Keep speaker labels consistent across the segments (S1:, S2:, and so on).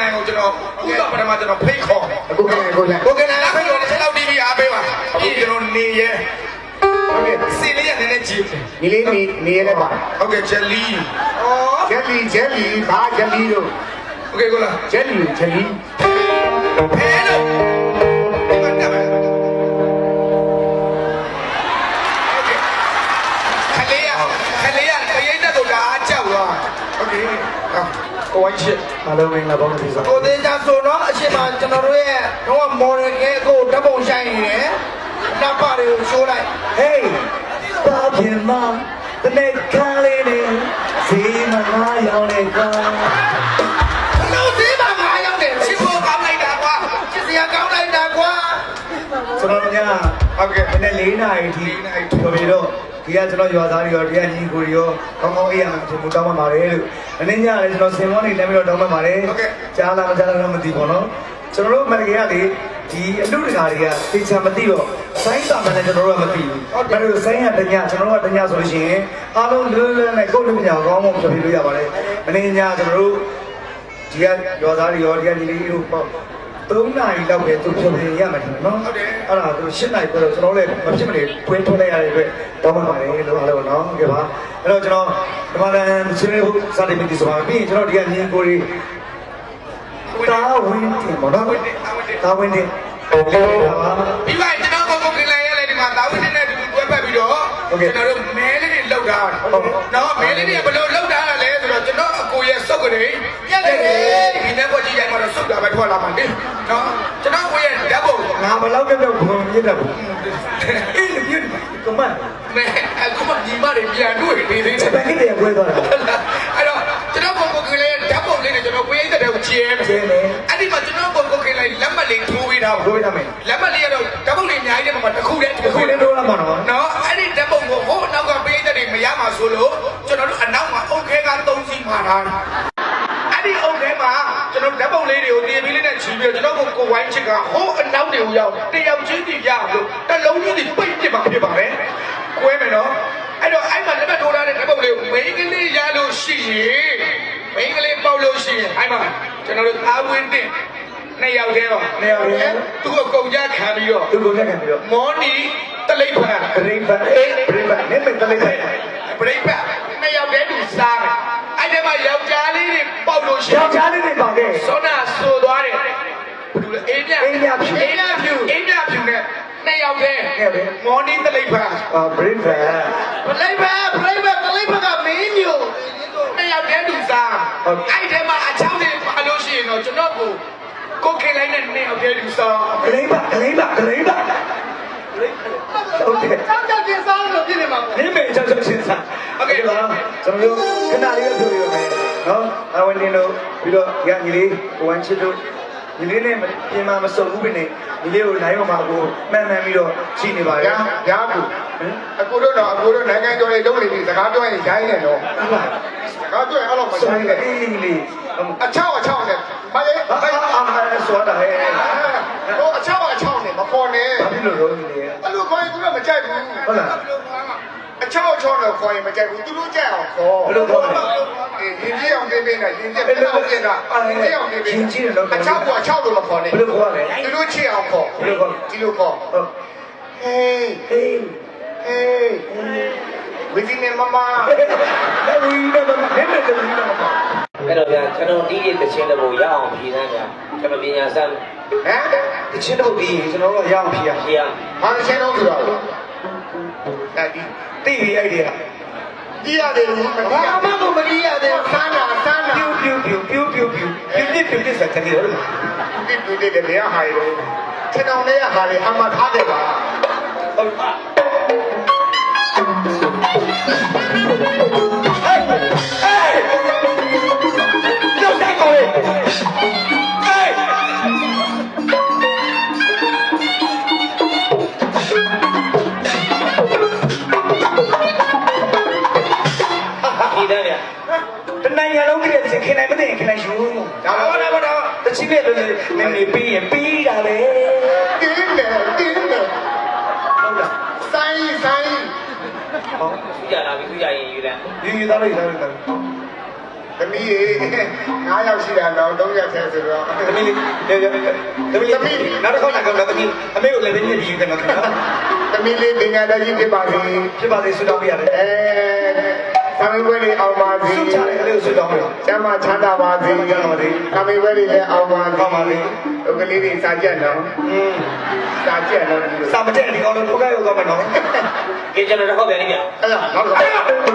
S1: နိုင်ကိုကျွန်တော်ဥပပထမကျွန်တော်ဖိတ်ခေါ်
S2: ကိုကဲကိုကဲ
S1: ဖိတ်ခေါ်တဲ့6 TV အားပေးပါအခုကျွန်တော်နေရဲဟုတ်ကဲ့စီလေးရနည်းနည်းကြည့်
S2: ဒီလေးနေရဲပါ
S1: ဟုတ်ကဲ့ဂျယ်လီ
S2: ဂျယ်လီဘာဂျယ်လီတို့
S1: โอเคကိုလား
S2: ဂျယ်လီ
S1: ဖဲလို့ဒီမှာတက်မယ်ခလေးရတရိတ်တက်တော့ဒါအကြောက်သွားโอเคကိုဝိုင်းချစ်
S2: အားလုံးမင်္ဂလာပါလို့ပြော
S1: ကိုသေးချာဆိုတော့အရှင်မကျွန်တော်တို့ရဲ့တော့မော်ဒယ်ကဲကိုဓာတ်ပုံဆိုင်နေတယ်တပ်ပါတွေကိုရှိုးလိုက်
S2: ဟေးပါပြင်မတနေ့ခါလေးနေစီမငါရောက်နေကွာ
S1: လို့စီမငါရောက်နေချစ်ဖို့ကောင်းလိုက်တာကွာချစ်စရာကောင်းလိုက်တာကွာ
S2: ကျွန်တော်ည
S1: ဟုတ်ကဲ့
S2: မနေ့4 နာရီထိပြောပြီးတော့ဒီကကျွန်တော်ရွာသားတွေရောဒီကညီကိုတွေရောကောင်းကောင်းအေးရမှာကျွန်တော်တောင်းပန်ပါတယ်လို့မနေ့ညလည်းကျွန်တော်စင်မောနေလည်းပြီးတော့တောင်းပန်ပါတယ်ကြားလားမကြားလားတော့မသိဘူးနော်ကျွန်တော်တို့မန္တလေးကလေဒီအလူတကာတွေကသိချာမသိတော့ဆိုင်းတာမှလည်းကျွန်တော်တို့ကမသိဘူးအဲ့လိုဆိုင်းရတညကျွန်တော်တို့ကတညဆိုလို့ရှိရင်အားလုံးလွယ်လွယ်နဲ့ကိုယ်လူညာကောင်းကောင်းပြောပြလို့ရပါတယ်မနေ့ညကျွန်တော်တို့ဒီကရွာသားတွေရောဒီကညီလေးတို့ပေါ့3 နာရီလောက်ပဲသူပြောပြရမှာတယ်နော်
S1: ဟုတ်တယ်
S2: အဲ့ဒါသူ7 နာရီပဲတော့ကျွန်တော်လည်းမဖြစ်မနေတွင်းထုတ်လိုက်ရတဲ့အတွက်တောင်းပန်ပါတယ်လို့အားလုံးနော်ဟုတ်ကဲ့ပါအဲ့တော့ကျွန်တော်ဒီမှာလည်းဆွေးနွေးဖို့စတင်ပြီဆိုပါပြီးရင်ကျွန်တော်ဒီကညီကိုတွေတာဝင်းတင်ပေါ့နော်တာဝင်းတင်
S1: ပြီးပါကျွန်တော်ကိုခင်လိုက်ရလေဒီမှာတာဝင်းတင်နဲ့တွဲပတ်ပြီးတော့ကျွန်တော်တို့မဲလေးတွေလောက်တာနော်မဲလေးတွေဘယ်လိုလောက်တာလဲဆိုတော့ကျွန်တော်အကိုရဲ့စုပ်ကနေပြက်တယ်ဒီနေ့ပေါ်ကြည့်ရမှာတော့စုပ်တာပဲထွက်လာမှာလေနော်ကျွန်တော်ကိုရဲ့ဓာတ်ပုံ
S2: ငါဘယ်လောက်ပြောဘုံမြစ်တယ်အေးလေပြည့်ကမန်
S1: မဲအခုမှညီမတွေပြန်တွေ့နေသေးတယ်
S2: ဘယ်ကိတဲ့ပွဲသွားတာ
S1: အဲ့တော့ကျွန်တော်ကိုခင်လိုက်ဓာတ်ပုံလေးနဲ့ကျွန်တော်ကိုရဲ့တဲ့ကိုကျဲမယ်အဲ့ဒီမှာကျွန်တော်ကိုခင်လိုက်လက်မှတ်လေးထိုးပေးထားပါ
S2: ထိုးပေးထားမယ်
S1: လက်မှတ်လေးကတော့ဓာတ်ပုံလေးအများကြီးတဲ့မှာတစ်ခုတည်း
S2: ထိုးလာမှာ
S1: နော်အဲ့ဒီဓာတ်ပုံကိုဟိုအနောက်ကပေးတဲ့တွေမရမှာဆိုလို့ကျွန်တော်တို့အနောက်မှာအုတ်ခဲက3စီးမှာထားတာအဲ့ဒီအုတ်ခဲမှာကျွန်တော်ဓာတ်ပုံလေးတွေကိုတင်ပြီးလေးနဲ့ချီပြီးတော့ကျွန်တော်ကိုဝိုင်းချစ်ကဟိုအနောက်တွေကိုရောက်တယောက်ချင်းစီရလို့တစ်လုံးချင်းစီပိတ်ပြစ်ပါဖြစ်ပါပဲကွဲမယ်နော်အဲ့တော့အဲ့မှာလက်မှတ်ထိုးထားတဲ့ဓာတ်ပုံလေးကိုမိန်းကလေးရလို့ရှိရင်မိန်းကလေးပေါက်လို့ရှိရင်အဲ့မှာကျွန်တော်တို့သားဝင်းတင်2 ယောက်တည်းပါ
S2: 2 ယောက်တည်း
S1: သူ့ကိုကုန်ကြခံပြီးတော့မော်နီတလိပ်ဖန်
S2: ပရိပတ်နေမတလိပ်
S1: ပရိပတ်2 ယောက်တည်းသူစားတယ်အဲ့ဒီမှာယောက်ျားလေးတွေပေါက်လို့ရှိရင်
S2: ယောက်ျားလေးတွေပေါက်တယ်
S1: စောနာဆိုသွားတယ်ဘယ်လိုလဲအေးမြဖြူနဲ့2 ယောက်တည်းမော်နီတလိပ်ဖန်
S2: ပရိပတ်
S1: တလိပ်ဖန်ကမင်းမျိုး2 ယောက်တည်းသူစားအဲ့ဒီမှာအချောင်းတွေပါလို့ရှိရင်တော့ကျွန်တော်ကိုခင်လိုက်တဲ့2 ယောက်တည်းသူစား
S2: ဂလိမ့်ပါဟုတ်တယ်
S1: ကြောက်ချင်းစားလို့ပြည့်နေမှာပေါ့
S2: ဒီမေကြောက်ချင်းစား
S1: ဟုတ်ကဲ့ပါ
S2: ကျွန်တော်တို့ခဏလေးပြောပြရမယ်နော်အဝန်တင်တို့ပြီးတော့ရညီလေးကိုဝမ်းချစ်တို့ညီလေးနဲ့ပြင်မာမစုံဘူးပဲနဲ့ညီလေးကိုနိုင်မှာကိုမှန်ပြီးတော့ရှိနေပါရဲ့
S1: ညာကူအကိုတို့နိုင်ငံကျော်လေးလုံးနေပြီစကားပြောရင်ရိုင်းနေတော့စကားပြောရင်အဲ့လိုမရိုင်းနဲ့
S2: အေးညီလေး
S1: အချောက်နဲ့မလေး
S2: ဆိုတာဟဲ့
S1: ဟိုအချောက်နဲ့မခေါ်နဲ့
S2: ဘာဖြစ်လို့လုံးညီလေး
S1: အဲ့လိုခေါ်ရင်သူကမကြိုက်ဘူး
S2: ဟုတ်လား
S1: အချောက်နဲ့ခေါ်ရင်မကြိုက်ဘူးသူတို့ကြိုက်အောင်ခေါ်
S2: ဘယ်လိုခေါ်လဲ
S1: ရင်ကြီးအောင်ပေးနဲ့ရင်ကြီးပေးအောင်ပြင်တာရင်ကြီးအောင်ပေး
S2: ရင်ကြီးတော့
S1: အချောက်လို့မခေါ်နဲ့
S2: ဘယ်လိုခေါ်လဲ
S1: သူတို့ချစ်အောင်ခေါ်
S2: ဘယ်လိုခေါ်
S1: ဒီလိုခေါ်ဟေးဝီဒီနေမမ
S2: ဝီနေမမအဲ့
S3: တော့ဗျာကျွန်တော်ဒီရဲ့တခြင်းတဘူရအောင်ဖြေစမ်းဗျာကျွန်တော်ပညာစမ်း
S2: တခြင်းတဘူပြီးကျွန်တော်တို့ရအောင်ဖြေရ
S1: ဘာတခြင်းတော့ဆိုတော့အဲ့ဒီ
S2: သိပြီအဲ့ဒီက
S1: ဒီရတယ်လို့ဘာမှမမဒီရတယ်ဆန်းတာ
S2: ပြူစက်တယ်လို့
S1: ပြူတယ်လေဟာရယ်ခြေတောင်လေးရဟာလေအမှထားတယ်ပါဟုတ်ပါ
S2: တော့တိုက်ကောလေ
S3: ဒီတဲ့ဗျာ
S2: တနိုင်ငံလုံးကလေးခင်နိုင်မသိရင်ခင်နိုင်ယူ
S1: ဒါတော့
S2: တချိနဲ့နေပြီးရင်ပြီးတာလေ
S1: တင်းတယ်
S2: ဟုတ်လား
S1: ဆိုင်
S3: ဟောသူကြလာပြီသူကြရင်ယူတယ်
S2: ယူသားလိုက်
S1: တသမီးရေ9ယောက်ရှိတာတော့3ရက်ထဲဆိုတော့
S2: သမီးလေးနောက်တစ်ခေါက်လာကတော့သမီးအမေကိုလည်းပဲညှစ်ပြီးကနေတော့
S1: သမီးလေးပညာတတ်ကြီးဖြစ်ပါစေ
S2: ဖြစ်ပါသေးဆုတောင်းပေးရတယ်
S1: သာမေပွဲလေးအောင်ပါစေ
S2: ဆုချတယ်ကလေးကိုဆုတောင်းပေးတော့
S1: ကျမ်းမာချမ်းသာပါစေ
S2: ကျမ်းပါစေ
S1: သာမေပွဲလေးလည်းအောင်ပါ
S2: ကောင်းပါလေ
S1: ဥက္ကလေးတွေစာကြက်နော်စာကြက်နော်ဒီလို
S2: စာမတက်ဒီကောင်တော့ထုတ်ခဲ့ရောက်သွားမယ်နော်
S3: ကဲကျွန်တော်တစ်ခေါက်ပြန်နေပြန်
S1: အဲ့ဒါနောက်တော့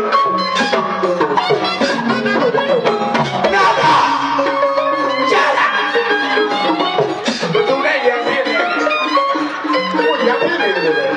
S2: နာတာကြာလာ
S1: ဘယ်သူနဲ့ရံပြည့်နေကိုရံပြည့်နေတယ်လေ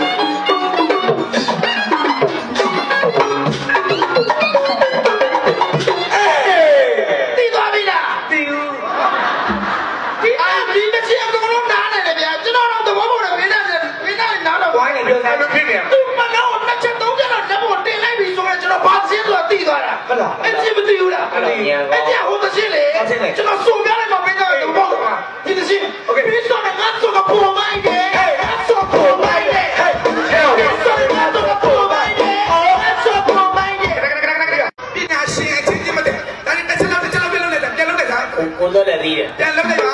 S2: တီသွားပြီလားတီဦးဒီအာဒီတစ်ချက်ကတော့နားနေတယ်ဗျာကျွန်တော်တော့သဘောပေါက်တယ်မင်းနဲ့နားတော့ဝိုင်းနေပြော
S1: အဲ့
S2: သား
S1: လိုဖြစ်နေရ
S2: သူမနောနှစ်ချက်သုံးချက်တော့လက်ပေါ်တင်လိုက်ပြီဆိုရင်ကျွန်တော်ဘာစင်းဆိုတာတီသွားတာဟုတ်လားအဲ့ဒီမတီဘူးလားအဲ့ဒီဟိုတစ်ချက်လေကျွန်တော်စုံပြလိုက်မှမင်းကသဘောပေါက်တာဒီတစ်ချက်โอเคပြီးတော့ငါဆိုကပေါ်မိုင်းတယ်ဆိုပေါ်မိုင်းတယ်ဟဲ့ဆိုငါဆိုကပေါ်မိုင်းတယ်ဆိုပေါ်မိုင်းတယ်
S1: ပညာရှင်အချင်းချင်းမတည်းဒါနဲ့တစ်ချက်လောက်ပြန်လုပ်လိုက်တာပြန်လုပ်လိုက်တာ
S3: ကိုတော့လည်းသေးတယ်
S1: ပြန်လုပ်လိုက်ပါ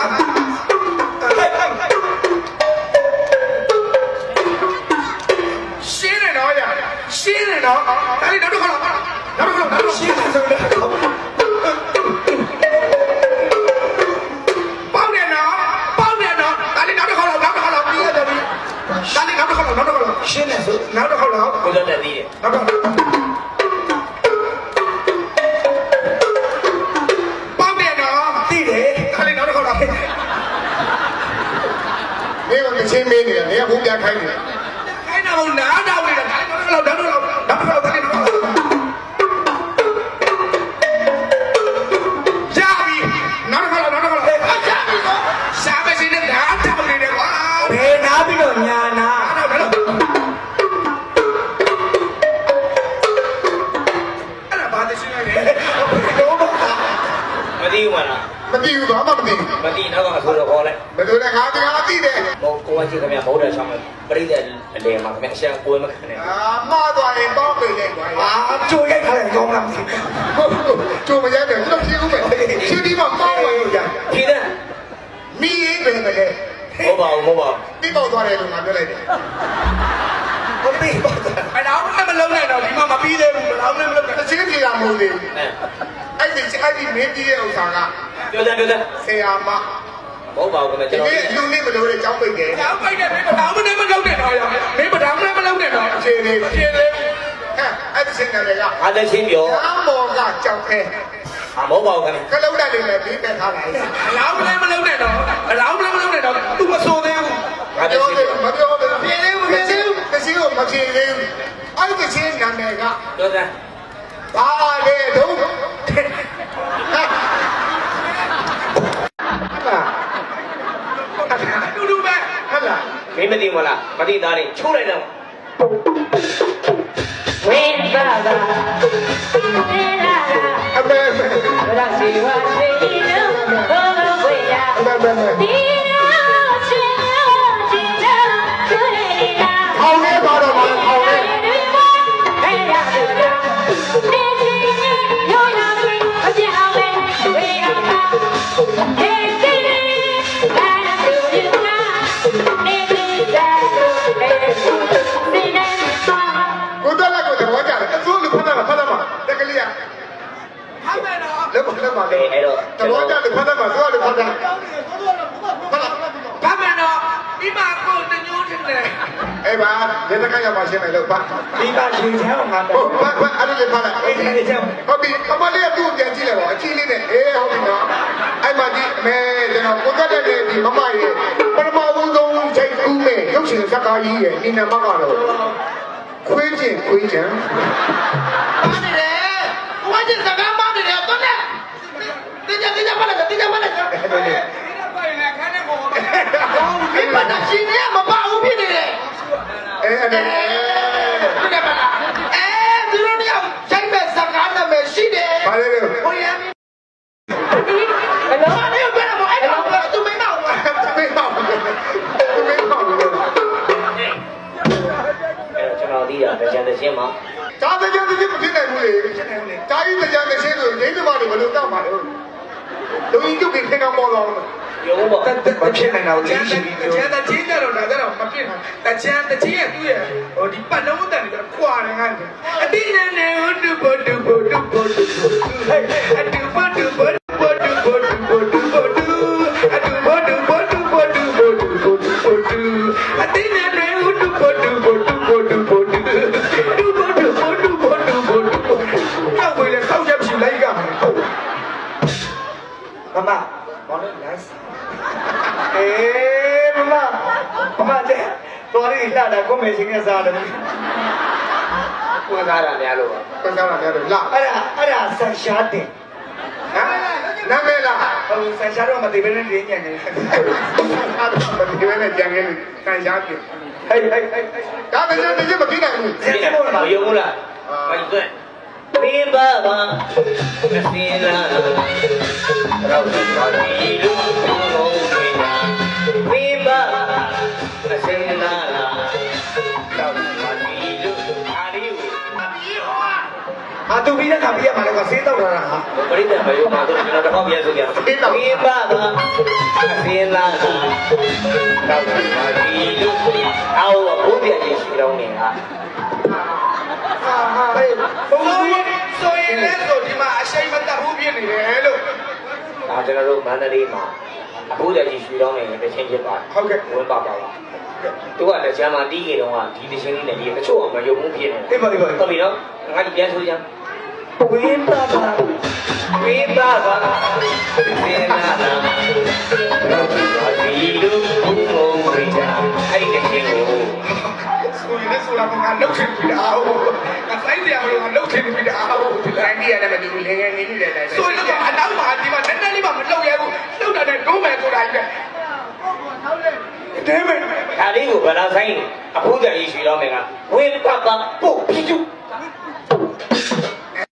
S1: ရှင်းနေတော့ရရှင်းနေတော့ဒါလေးနောက်တစ်ခါလောက်ရှင်းနေဆိုတော့ပေါက်နေတော့ဒါလေးနောက်တစ်ခါလောက်ပြီးရတယ်ဒါလေးနောက်တစ်ခါလောက်ရှင်းနေဆိုနောက်တစ်ခါလောက်
S3: ကိုတော့လည်းသေးတယ်
S1: နောက်တစ်ခါပေါက်နေတော့သိတယ်ဒါလေးနောက်တစ်ခါလောက်နေကချင်းမင်းနေတယ်နေကဘုံပြခိုင်းနေတယ်ခိုင်းတာဘုံနားတော့နေတာနောက်တစ်ခါလောက်ဒါလေးနောက်တစ်ခါလောက်ကြာပြီနောက်တစ်ခါလောက်ကြာပြီတော့ရှာမစင်းနဲ့နားတောင်းနေတယ်ကွာ
S2: ဘယ်နာပြီးတော့ညာနာ
S1: အဲ့ဒါဘာတရှိနေလဲ
S2: တော့ပါ
S3: မသိဘူးမလား
S1: မသိဘူးဘာမှမသိဘူး
S3: မသိတော့ကအဆိုတော့ခေါ်လိုက်
S1: ဘယ်လိုလဲငါတရားသိတယ်
S3: ဟိုကိုဝချင်းခင်ဗျာမဟုတ်တဲ့ဆောင်ပရိသတ်အလေမှာခင်ဗျာအရှံကိုယ်မခံနဲ့
S1: မှားသွားရင်ပေါင်းပေးလိုက်ကွာ
S2: အာကြိုရိုက်ထားတယ်ကောင်းလားမသိ
S1: ကျုံမရတဲ့ကျွန်တော်ဖြေဦးမယ်ဖြေပြီးမှပေါင်းဝင်ကြ
S3: ဖြေတဲ့
S1: မိရေးပဲလေ
S3: ဟုတ်ပါဘူး
S1: ပြီးပေါက်သွားတယ်လို့ငါပြောလိုက်တယ်
S2: ဘူးသိပါတော့
S1: အဲ့တော့မလုံးနဲ့တော့ဒီမှာမပြီးသေးဘူးဘယ်တော့မှမလုံးနဲ့တစ်ချင်းပြေတာမဟုတ်သေးဘူး အဲ့ဒီမင်းပြီးတဲ့ဥစ္စာက
S3: ပြောတဲ့
S1: ဆရာမ
S3: ဟုတ်ပါဘူးခင်ဗျာကျွန်တော်
S1: ဒီလူလေးမလို့တဲ့ကြောင်းပိတ်တယ်ကြောင်းပိတ်တယ်မင်းဘာမှမလုပ်နဲ့တော့ရမင်းဘာမှမလုပ်နဲ့တော့အခြေလေးဟဲ့အဲ့ဒီစင်တယ်က
S3: အားလည်းချင်းပြော
S1: အမောကကြောက်ခဲ
S3: မဟုတ်ပါဘူးခင်ဗျာ
S1: ကလုံးတက်လေးနဲ့ပြီးတက်ထားလိုက်အလောင်းလည်းမလုပ်နဲ့တော့သူမဆိုသေးဘူးမပြောသေးဘူးပြေသေးဘူးတချင်းကိုမပြေသေးဘူးအဲ့ဒီချင်းနာမည်က
S3: ပြောတဲ့
S1: ဘာလဲတော့တူပဲဟဲ့လား
S3: မင်းမသိမလားမသိသားလေးချိုးလိုက်တော့
S4: ဝိဘာဘာဝိလာလာ
S1: အမေ
S4: ရစီဝါစီနိုဘောဝိယာ
S1: အမေ
S4: ဒီနောချေနောချေနောချူရီလာ
S1: အောင်လေးပါတော့ပါအောင်လေး
S4: ဟဲ့ရတူလာနေချီရောနာမီအပြအောင်လေဝိယာပါဟေးစီဘာနာတူဒီနာနေဒီသာဟေးစီနေပါ
S1: ကိုတက်လက်ကိုသဘောကျတယ်အစိုးလူဖတ်တာတက်ကလေးကဟမ်းမယ်နော်လက်ပါ
S3: အဲ့တော့
S1: သဘောကျတယ်ဖတ်တာမှာစိုးလူဖတ်တာဘာမှနော်ဒီမှာကိုတညိုးတင်တယ်အဲ့ပါလက်တကရပါရှင်းမယ်လို့ပါ
S2: ဒီပါရှင်ချမ်းအောင်ငါ
S1: ဟု
S2: တော့
S1: တ်ဘာအဲ့ဒီဖတ်လိုက်ဟုတ်ပြီအမလေးကသူ့ပြန်ကြည့်လိုက်ပါအချီလေးနဲ့အေးဟုတ်ပြီနော်အဲ့မှာဒီမဲကျွန်တော်ကိုတက်တဲ့ဒီမမရဲ့ပထမဦးဆုံးချိန်ကူးမဲ့ရုပ်ရှင်ဇာတ်ကားကြီးရဲ့ဒီနံပါတ်ကတော့ခွေးချင်း
S2: ပါနေတယ်ဝါကျင်စကားမနေတယ်တော့နဲ့တင်းကြပါလားတင်းကြပါလားဒီမှာရှင်နေမပါဘူးဖြစ်နေတယ်
S1: အဲ့ဒါ
S2: တင်းကြပါလားသူတို့တယောက်ရိုက်မဲ့စကားနာမည်ရှိတယ်
S1: ဘာလဲလဲ
S2: ဟိုရမ်းဘယ်လိုလဲဘယ်လိုအဲ့တော့သူမင်းတော့
S1: မေးပါဦးမေးပါဦး
S3: အဲ့တော့ကျွန်တော်သိတာတကြံတချင်းမှာ
S1: ဒါတကြံတချင်းမဖြစ်နိုင်ဘူးလေဒါကြီးတကြံတချင်းဆိုဒိဋ္ဌိမတွေဘယ်လိုတောက်ပါလဲလူကြီးကျုပ်ကခင်ကောင်ပေါ်တော့
S3: ရုံးပေါ့
S2: မဖြစ်နိုင်တော့လေးရှိပြီး
S1: ကျန်တဲ့ချင်းကြတော့ဒါကြတော့မဖြစ်နိုင်တချမ်းတချင်းရဲ့သူ့ရဲ့ဟိုဒီပတ်လုံးအတန်တွေတော့ခွာနေငါ့အတိနဲ့နဲ့ဟိုတူဘတူဘတူဘတူဟဲ့အတူဘတူဘတူဘတူဘတူဘတူဘတူအတူဘတူဘတူဘတူဘတူဘတူအတိနဲ့နဲ့ဟိုတူဘတူဘတူဘတူဘတူတူဘတူဘတူဘတူဘတူဘတူတော့ဘယ်လဲဆောက်ချက်ဖြူလိုက်ကမှာဟုတ်
S2: မမဘောလုံးလိုက်အေးမမတဲ့တော်ရီလာတာကိုမေချင်းကစားတယ်
S3: ကိုယ်သားတာများလို့ပါ
S1: ပြန်ကြလာတယ်လာ
S2: အဲ့ဒါဆန်ရှားတင်
S1: ဟမ်နာမည်လား
S2: ဟိုဆန်ရှားတော့မသိဘဲနဲ့ရင်းညံ့နေတယ်
S1: အားတော့မဒီဝဲနဲ့ကြံခဲ့လို့ခံရပြီ
S2: ဟေး
S1: ဒါပေမဲ့တကယ်မပြီးနိုင်ဘူး
S3: မယုံဘူးလားမယုံသွဲဘေးပါပါမစင်းလာတော့ဘာဒီလူလုံးတွေညာဘေးပါမစင်းလာတော့ဘာဒီလူအားလေးကို
S2: အာတူပြီးတဲ့ခါပြရမှာလေကွာဆေးတောက်လာတာဟာ
S3: ပရိသတ်မယုံပါတော့ကျွန်တော်တစ်ခေါက်ပြန်ဆိုကြဘေးပါပါမစင်းလာတော့ဘာဒီလူအော်ဘုရားကြီးရှိတော်နေဟာ
S1: ဟေးဘုံဆိုရင်လည်းဆိုဒီမှာအရှိန်မတက်ဘူးဖြစ်နေတယ်လို့
S3: ဒါကျွန်တော်တို့မန္တလေးမှာအဖိုးကြီးရွှေတော်နေတချင်းဖြစ်ပါတယ်
S1: ဟုတ်ကဲ့
S3: ဝင်ပါပါလားသူကလည်းကျမ်းမာတီးကြတော့ဒီတချင်းလေးနဲ့ဒီတချို့အောင်မယုံမှုဖြစ်နေတယ်
S2: အေးပါ
S3: ဟုတ်ပြီနော်ငါဒီပြန်ဆိုကြ
S2: ဝင်းပါပါ
S3: ဝေးပါပါသေနာနာဒီလူဘုံဘုံဝိဒါအဲ့ဒီတချင်းကို
S1: ဆိုရင်လည်းဆိုတာကငါလှုပ်ချင်ပြီလားဟုတ်ငါဆိုင်တယ်မလို့ငါလှုပ်ချင်ပြီလားဟုတ်ဒီလိုင်းကြီးရတယ်မတူဘူးငယ်ငယ်နေနေတယ်ဆိုရင်တော့အနောက်မှာဒီမှာနည်းနည်းလေးမှမလှုပ်ရဘူးလှုပ်တာနဲ့ဒုံးမယ်ဆိုတာကြီးပဲတဲမယ်
S3: ဒါလေးကိုဘယ်လာဆိုင်အဖိုးကြီးရွှေတော်မယ်ကဝေးပါပါပုတ်ပြီး